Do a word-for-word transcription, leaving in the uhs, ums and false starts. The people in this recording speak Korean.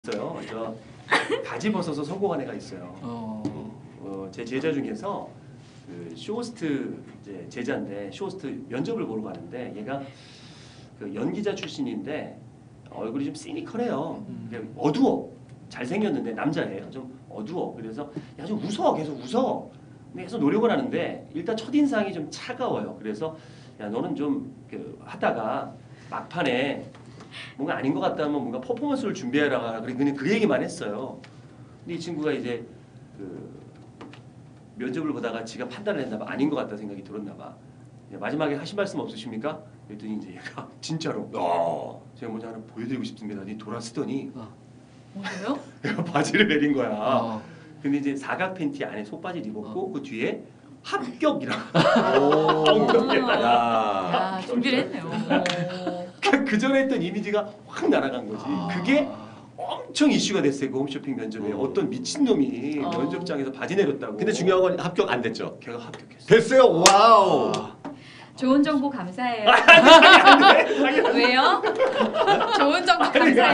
있어요. 저 바지 벗어서 성공한 애가 있어요. 어. 어, 제 제자 중에서 그 쇼호스트 이제 제자인데 쇼호스트 면접을 보러 가는데 얘가 그 연기자 출신인데 얼굴이 좀 시니컬해요. 음. 어두워. 잘생겼는데 남자예요. 좀 어두워. 그래서 야 좀 웃어. 계속 웃어. 근데 계속 노력을 하는데 일단 첫인상이 좀 차가워요. 그래서 야 너는 좀 그 하다가 막판에 뭔가 아닌 것 같다면 뭔가 퍼포먼스를 준비해라. 그냥 그 얘기만 했어요. 근데 이 친구가 이제 그 면접을 보다가 지가 판단을 했나 봐. 아닌 것 같다 생각이 들었나 봐. 마지막에 하신 말씀 없으십니까? 그랬더니 이제 얘가 진짜로 어, 제가 먼저 하나 보여드리고 싶습니다. 니 돌아쓰더니 어. 뭐예요? 내가 바지를 내린 거야. 어. 근데 이제 사각 팬티 안에 속바지를 입었고 어. 그 뒤에 합격이라고. 야, 야. 야 준비를 했네요. 그 전에 했던 이미지가 확 날아간 거지. 아. 그게 엄청 이슈가 됐어요. 그 홈쇼핑 면접에. 음. 어떤 미친놈이 어. 면접장에서 바지 내렸다고. 근데 중요한 건 합격 안 됐죠? 걔가 합격했어. 됐어요. 와우. 좋은 정보 감사해요. 왜요? 좋은 정보 감사해요.